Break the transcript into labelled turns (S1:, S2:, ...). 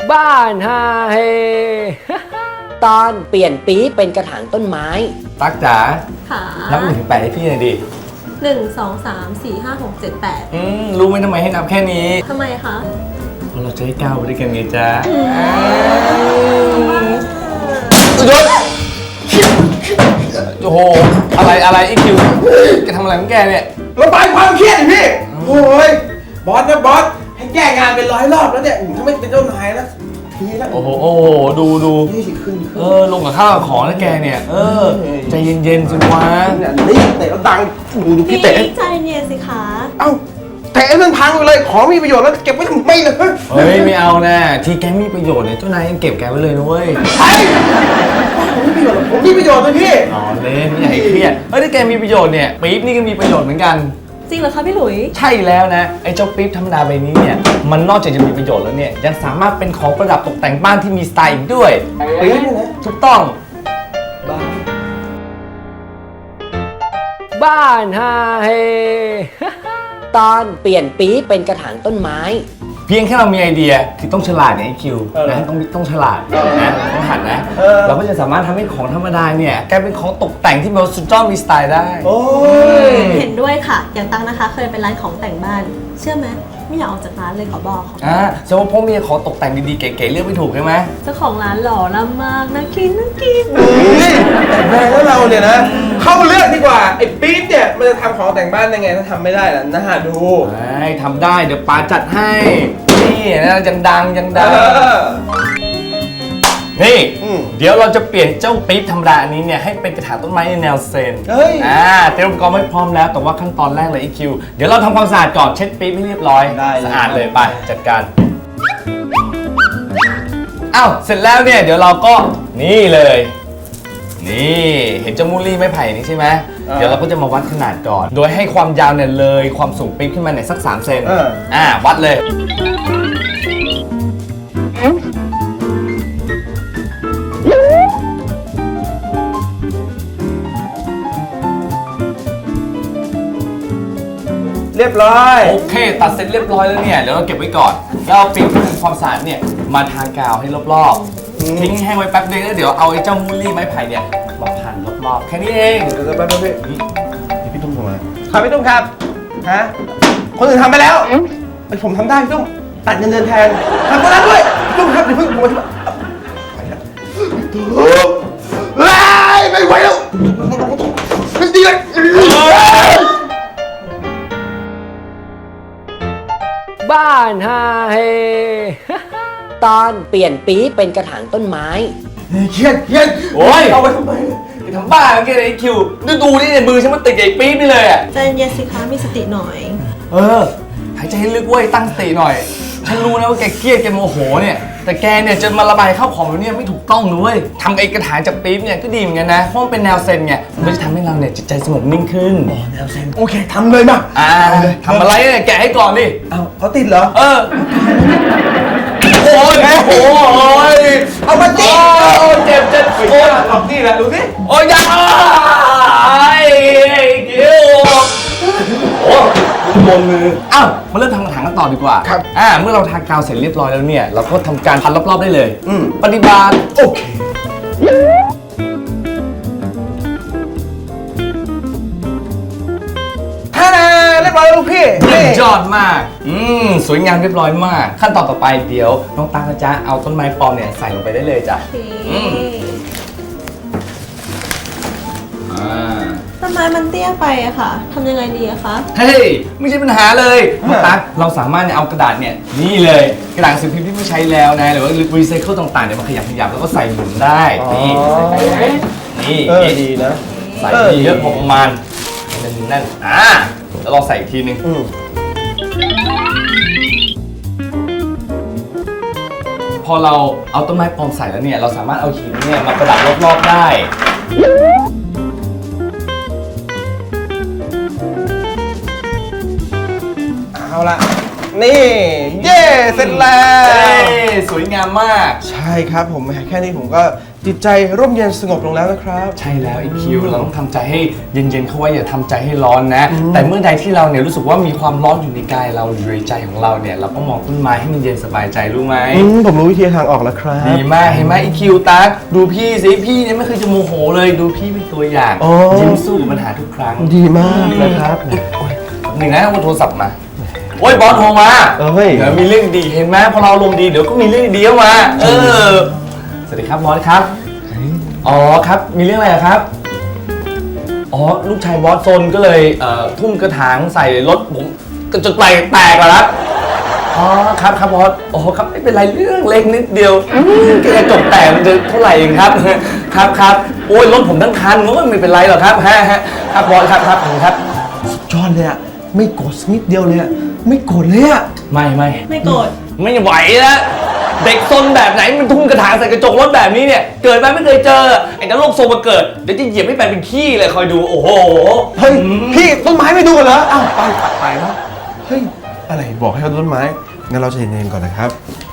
S1: บ้านฮาเฮ
S2: ตอนเปลี่ยนปี๊บเป็นกระถางต้นไม้
S3: ตั๊กจ๋า
S4: ค่ะ
S3: นับ1 ถึง 8ให้พี่หน่อยดิ
S4: 1 2 3 4 5 6 7
S3: รู้ไหมทำไมให้นับแค่นี้
S4: 8ทำไมคะ
S3: เพราะเราจะให้ก้าวไปด้วยกันไงจ๊ะโอ้โหอะไรอีคิวแกทำอะไรของแกเนี่ย
S5: ระบายความเครียดดิพี่โอ้ยบอสนะบอสให้แก้งานเป็น100 รอบแล้วเนี่ยถ้าไม่เป็นเจ้านายนะทีละ
S3: โอ้โหดู
S5: นี่สิขึ้น
S3: ลงกับข้าวกับของแล้วแกเนี่ยใจเย็นๆสิวะ
S5: นี่เตะแล้วดังดูพี่เตะ
S4: ใจเย็นสิคะ
S5: เอ้าเตะให้มันพังไปเลยของมีประโยชน์แล้วเก็บไว้ทำไมล่ะ
S3: เฮ้ยไม่เอานะที่แกมีประโยชน์เนี่ยเจ้านายยังเก็บแกไว้เลยนะเว้ย
S5: ไอ้ผมมีประโยชน์เลยพี่
S3: อ๋อเล่นไม่อยากให้เครียดถ้าแกมีประโยชน์เนี่ยปี๊บนี่ก็มีประโยชน์เหมือนกัน
S4: จริงเหรอคะพี่หลุย
S3: ใช่แล้วนะไอ้เจ้าปี๊บธรรมดาใบนี้เนี่ยมันนอกจากจะมีประโยชน์แล้วเนี่ยยังสามารถเป็นของประดับตกแต่งบ้านที่มีสไตล์อีกด้วย
S5: ปี๊บเนี่ยนะ
S3: ถูกต้อง
S1: บ้านฮาเฮ
S2: ตอนเปลี่ยนปี๊บเป็นกระถางต้นไม้
S3: เพียงแค่เรามีไอเดียคือต้องฉลาดเนี่ยไอคิวนะต้องฉลาดนะต้องหัดนะเราก็จะสามารถทำให้ของธรรมดาเนี่ยกลายเป็นของตกแต่งที่แบบสุดยอดมีสไตล์ได้
S5: โอ้ย
S4: เห็นด้วยค่ะ อย่างตังนะคะ เคยเป็นร้านของแต่งบ้าน เชื่อไหมไม่อยากออกจากร้านเลยขอบอกค่ะ
S3: แสดงว่าพ่อมีของตกแต่งดีๆเก๋ๆเลือกไม่ถูกใช่ไหม
S4: เจ้าของร้านหล่อละมากน่ากิน
S5: แต่แม่แล้วเราเนี่ยนะเข้าเลือกดีกว่าไอ้ปี๊บเนี่ยมันจะทำของแต่งบ้านยังไงถ้าทำไม่ได้ล่ะน่าดู
S3: ทำได้เดี๋ยวปาจัดให้นี่นะยังดัง นี่ เดี๋ยวเราจะเปลี่ยนเจ้าปี๊บธรรมดาอันนี้เนี่ยให้เป็นกระถางต้นไม้ในแนวเซน
S5: เฮ้ย
S3: เตรียมอุปกรณ์ไว้พร้อมแล้วแต่ว่าขั้นตอนแรกเลยอีคิวเดี๋ยวเราทำความสะอาดก่อนเช็ดปี๊บให้เรียบร้อย
S5: ได้เลย
S3: สะอาดเลยไปจัดการอ้าวเสร็จแล้วเนี่ยเดี๋ยวเราก็นี่เลยนี่เห็นเจ้ามูลลี่ไม้ไผ่นี่ใช่ไหมเดี๋ยวเราก็จะมาวัดขนาดก่อน โดยให้ความยาวเนี่ยเลยความสูงปี๊บขึ้นมาเนี่ยสัก3 เซนวัดเลย
S5: เรียบร้อย
S3: โอเคตัดเสร็จเรียบร้อยแล้วเนี่ยเดี๋ยวเราเก็บไว้ก่อนแล้วเอาปี๊บที่ทำความสะอาดเนี่ยมาทากาวให้รอบๆทิ้งแห้งไว้แป๊บนึงแล้วเดี๋ยวเอาไอ้เจ้ามูลลี่ไม้ไผ่เนี่ยมาพันรอบๆแค่นี้เอง
S5: เดี๋ยวจะแป๊บนึงพี่พี่ตุ้มทำอะไรครับพี่ตุ้มครับฮะคนอื่นทำไปแล้วไอ้ผมทำได้พี่ตุ้มตัดเงินเดือนแทนทำก็ได้ด้วยพี่ตุ้มครับเดี๋ยวเพิ่งผมมาไปแล้วไม่ไหวแล้วไม่ดีเลย
S1: บ้านฮาเฮ
S2: ตอนเปลี่ยนปี๊บเป็นกระถางต้นไม้
S5: เครียด
S3: โอ้ย
S5: เอาไปทำไม
S3: ไปทำบ้าเมื่อกี้ไอ้คิวดูนี่เนี่ยมือฉันมันติดไอ้ปี๊บนี่เลยอ่ะ
S4: ใจเย็นสิคะมีสติหน่อย
S3: หายใจให้ลึกเว้ยตั้งสติหน่อยฉันรู้นะว่าแกเครียดแกโมโหเนี่ยแต่แกเนี่ยจะมาระบายเข้าของแบบนี้ไม่ถูกต้องนะเว้ยทำไอ้กระถางจากปี๊บเนี่ยก็ดีเหมือนกันนะเพราะมันเป็นแนวเซนไงมันจะทำให้เราเนี่ยจิตใจสงบนิ่งขึ้น
S5: แนวเซนโอเคทำเลยมา
S3: ทำอะไรเนี่ยแกะให้ก่อนดิ
S5: เอาเขาติดเหรอ
S3: โอ้ย
S5: เอามาติด
S3: เจ็บ
S5: โอ้ยออกนี่แหละดูสิ
S3: โอ้ยยังไอ้คิวโอ้บนมือมาเริ่มทำกระถางกันต่อดีกว่าเมื่อเราทากาวเสร็จเรียบร้อยแล้วเนี่ยเราก็ทำการพันรอบๆได้เลยปฏิบัติโอเค
S5: ท่านาเรียบร้อยแล้วลูกพี่
S3: ยอดมากสวยงามเรียบร้อยมากขั้นตอนต่อไปเดี๋ยวน้องตั๊กนะจ๊ะเอาต้นไม้ปลอมเนี่ยใส่ลงไปได้เลยจ้ะ
S4: โอเคต้นไม้มันเตี้ยไปอะค่ะทำยังไงดีอะคะ
S3: เฮ้ยไม่ใช่ปัญหาเลยน้องตั๊กเราสามารถเนี่ยเอากระดาษเนี่ยนี่เลยกระดาษสือพิมพ์ที่ไม่ใช้แล้วนะหรือว่ารีไซเคิลต่างๆเนี่ยมาขยับแล้วก็ใส่หมุนได้นี่
S5: ดีนะ
S3: ใส่ดีเยอะพอประมาณนั่นแล้วลองใส่อีกทีนึงพอเราเอาต้นไม้ปลอมใส่แล้วเนี่ยเราสามารถเอาหินเนี่ยมาประดับรอบๆได้
S5: เอาละนี่เย่เสร็จแล้ว
S3: สวยวยงามมาก
S5: ใช่ครับผมแค่นี้ผมก็จิตใจร่มเย็นสงบลงแล้วนะครับ
S3: ใช่แล้วไอคิวเราต้องทำใจให้เย็นๆเข้าไว้อย่าทำใจให้ร้อนนะ แต่เมื่อใดที่เราเนี่ยรู้สึกว่ามีความร้อนอยู่ในกายเราหรือในใจของเราเนี่ยเราก็มองต้นไม้ให้มันเย็นสบายใจรู้ไหม
S5: ผมรู้วิธีทางออกแล้วครับ
S3: ดีมากเห็นไหมไอคิวตั๊กดูพี่สิพี่เนี่ยไม่เคยจะโมโหเลยดูพี่เป็นตัวอย่าง
S5: อ๋อ
S3: ยิ้มสู้กับปัญหาทุกครั้ง
S5: ดีมากนะครับ
S3: หนึ่งนะว่าโทรศัพท์มาโอ้ยบอสโทรมา
S5: เฮ้ย
S3: เดี๋ยวมีเรื่องดีเห็นไหมพอเราลมณ์ดีเดี๋ยวก็มีเรื่องดีเข้ามาสวัสดีครับบอสครับอ๋อครับมีเรื่องอะไรอะครับอ๋อลูกชายบอสซนก็เลยทุ่มกระถางใส่รถผมจนแตกแล้วครับอ๋อครับครับบอสโอ้ครับไม่เป็นไรเรื่องเล็กนิดเดียวกระจกแตกมันจะเท่าไหร่เองครับครับครับโอ้ยรถผมทั้งคันก็ไม่เป็นไรหรอกครับครับบอสครับครับผมครับ
S5: จอนเลยอะไม่โกรธสักนิดเดียวเลยอะไม่โกรธเลยอะ
S3: ไม่
S4: ไม่โกรธ
S3: ไม่ไหวแล้วเด็กซนแบบไหนมันทุ่มกระถางใส่กระจกรถแบบนี้เนี่ยเกิดมาไม่เคยเจอไอ้นรกทรงมาเกิดเดี๋ยวจะเหยียบให้เป็นขี้เลยคอยดูโอ้โห
S5: เฮ้ยพี่ต้นไม้ไม่ดูกันเหรออ้าวไปแล้วเฮ้ยอะไรบอกให้เอาต้นไม้งั้นเราใจเย็นๆก่อนนะครับ